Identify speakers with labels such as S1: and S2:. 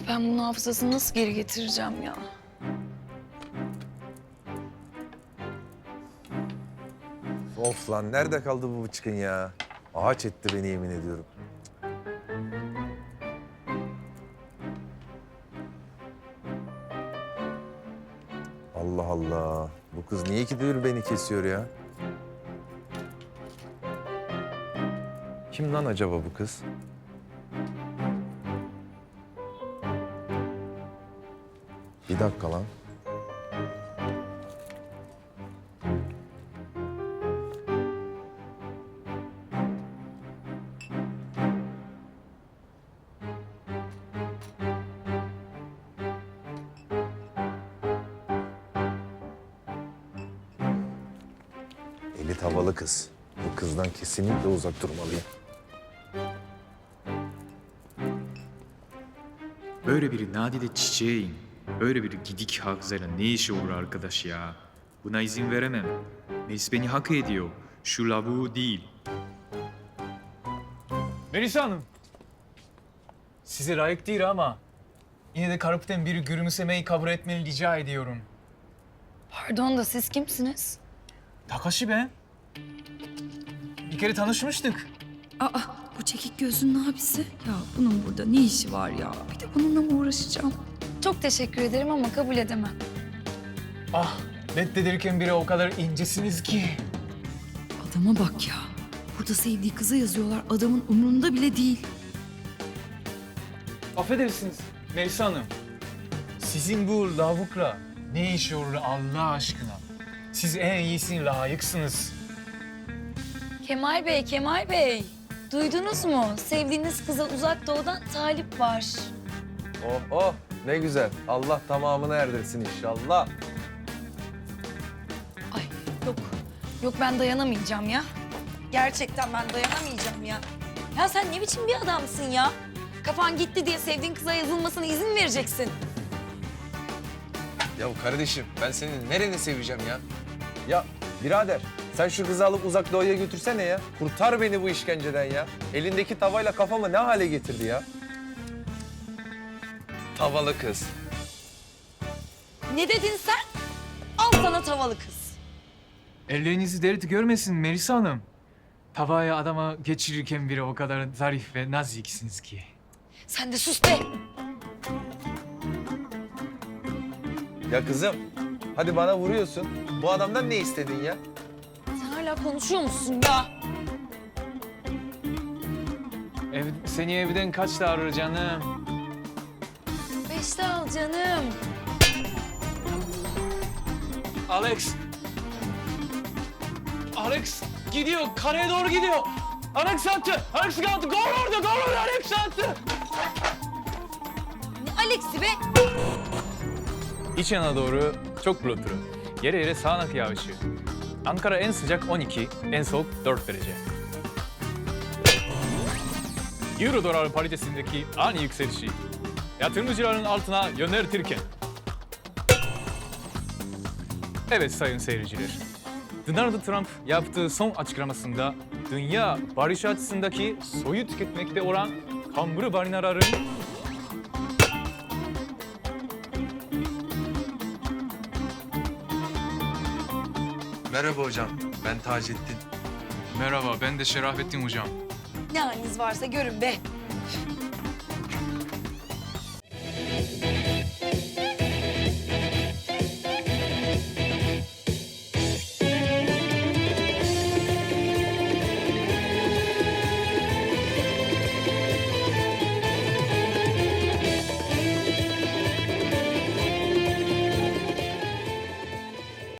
S1: Ben bunun hafızasını nasıl geri getireceğim ya?
S2: Of lan nerede kaldı bu bıçkın ya? Ağaç etti beni yemin ediyorum. Allah Allah. Bu kız niye ki diyor beni kesiyor ya? Kim lan acaba bu kız? Bir dakika lan. Elit havalı kız. Bu kızdan kesinlikle uzak durmalıyım.
S3: Böyle bir nadide çiçeğin, böyle bir gidik hafızayla ne işi olur arkadaş ya? Buna izin veremem. Melis beni hak ediyor. Şu lavuğu değil.
S4: Melisa Hanım. Size layık değil ama yine de Karapı'dan biri gülümsemeyi kabul etmeni rica ediyorum.
S1: Pardon da siz kimsiniz?
S4: Takashi ben. Bir kere tanışmıştık.
S5: Aa, bu çekik gözlünün abisi. Ya bunun burada ne işi var ya? Bir de bununla mı uğraşacağım?
S1: Çok teşekkür ederim ama kabul edemem.
S4: Ah, reddedilirken bile o kadar incesiniz ki.
S5: Adama bak ya. Burada sevdiği kıza yazıyorlar. Adamın umurunda bile değil.
S4: Affedersiniz Melisa Hanım. Sizin bu lavukla ne işi olur Allah aşkına? Siz en iyisine layıksınız.
S1: Kemal Bey, Kemal Bey. Duydunuz mu? Sevdiğiniz kıza uzak doğudan talip var.
S2: Oh oh ne güzel. Allah tamamını erdirsin inşallah.
S1: Ay yok. Yok ben dayanamayacağım ya. Gerçekten ben dayanamayacağım ya. Ya sen ne biçim bir adamsın ya? Kafan gitti diye sevdiğin kıza yazılmasına izin vereceksin.
S2: Ya kardeşim ben senin nereni seveceğim ya? Ya birader sen şu kızı alıp uzak doğuya götürsene ya. Kurtar beni bu işkenceden ya. Elindeki tavayla kafamı ne hale getirdi ya? Tavalı kız.
S1: Ne dedin sen? Al sana tavalı kız.
S4: Ellerinizi dert görmesin Melisa Hanım. Tavaya adama geçirirken bile o kadar zarif ve naziksiniz ki.
S1: Sen de sus be.
S2: Ya kızım hadi bana vuruyorsun. Bu adamdan ne istedin ya?
S1: Sen hala konuşuyor musun ya?
S4: Seni evden kaçta arar canım?
S1: 5'te al canım.
S4: Alex. Alex gidiyor, kareye doğru gidiyor. Alex attı, Alex attı. Gol orada, Alex attı.
S1: Ne Alex'i be?
S6: İç yana doğru çok bulutlu. Yere yere sağanak yağışı. Ankara en sıcak 12, en soğuk 4 derece. Euro dolar paritesindeki ani yükselişi yatırımcıların altına yöneltirken. Evet sayın seyirciler. Donald Trump yaptığı son açıklamasında dünya barış açısındaki soyu tüketmekte olan kamburu balinaların
S2: Merhaba hocam ben Taceddin.
S3: Merhaba, ben de Şerafettin hocam.
S1: Ne haliniz varsa görün be.